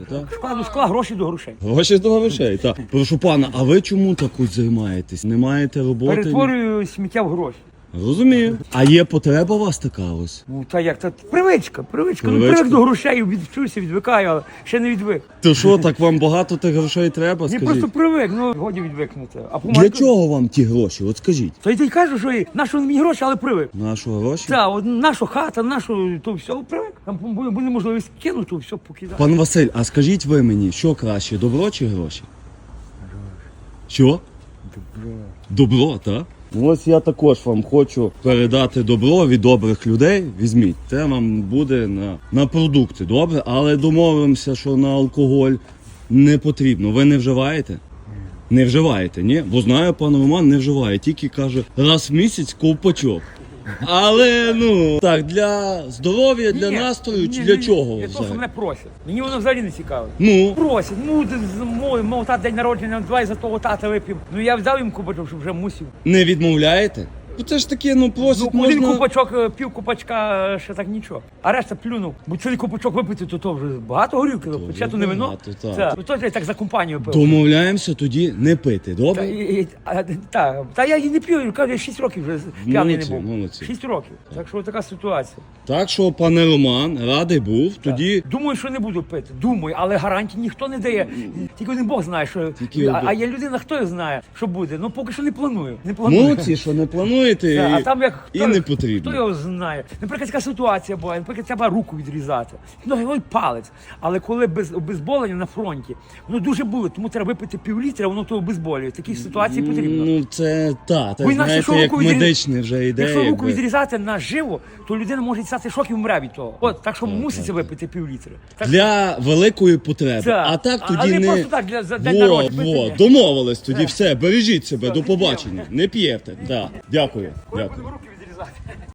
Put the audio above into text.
так? Школа до школа, гроші до грошей. Гроші до грошей, так. Прошу пана, а ви чому так от займаєтесь? Не маєте роботи? Перетворюю сміття в гроші. Розумію. А є потреба у вас така ось? Ну та як, це привичка. Ну Привичка. привик до грошей, відчуюся, відвикаю, але ще не відвик. То що, так вам багато тих грошей треба, Ні, скажіть? просто привик, ну годі відвикнути. А Для чого вам ті гроші? От скажіть. То й ти кажу, що нащо мені гроші, але привик. Наші гроші? Так, от наша хата, нашу, то все, привик. Там буде можливість кинути, то все покидати. Пан Василь, а скажіть ви мені, що краще, добро чи гроші? Що? Добро, так? Ось я також вам хочу передати добро від добрих людей. Візьміть, це вам буде на продукти, добре? Але домовимося, що на алкоголь не потрібно. Ви не вживаєте? Не вживаєте, ні? Бо знаю, пан Роман не вживає, тільки каже, раз в місяць ковпачок. Але, ну, так, для здоров'я, для настрою, чи для чого? Для того, що взагалі? мене просять. Мені воно взагалі не цікаво. Ну, Просять, мов тата день народження, давай за того тата вип'ємо. Ну я взяв їм кубачок, щоб вже мусив. не відмовляєте? Ну це ж таке, ну просить Ну, один можна... кубачок, пів кубачка, ще так нічого. А решта плюнув. Бо цілий кубачок випити, то вже багато горілки, ще то не вино. багато, так. Це, ну, то я так за компанію пив. Домовляємося тоді не пити, добре? Та я і не п'ю, кажу, я 6 років вже п'яний не був. Молодці. 6 років. Так що така ситуація. Так що, пане Роман, радий був, тоді... Думаю, що не буду пити. Думаю, але гарантій ніхто не дає. Тільки один Бог знає, що. Тільки А є людина, хто знає, що буде. Ну поки що не планую. Не планую. Молодці, що не плануєте, А там як і не потрібно. Хто його знає? Наприклад, така ситуація була, наприклад, треба руку відрізати. Ну, ой, палець. Але коли без обезболення на фронті, воно дуже болить, тому треба випити пів-літра, воно то обезболює. Такі ситуації потрібно. Ну це, та, Бо інакше, знаєте, як медичне вже йде. Якщо руку якби. відрізати наживо, то людина може стати шок і вмре від того. От, так що муситься випити пів-літра. Так, Для великої потреби. так. А так А тоді не не... просто так, за день народження. Вот, домовились тоді, все, бережіть себе, до побачення. Не п'єте. Да. Дякую. Коли Дякую. будемо руки відрізати.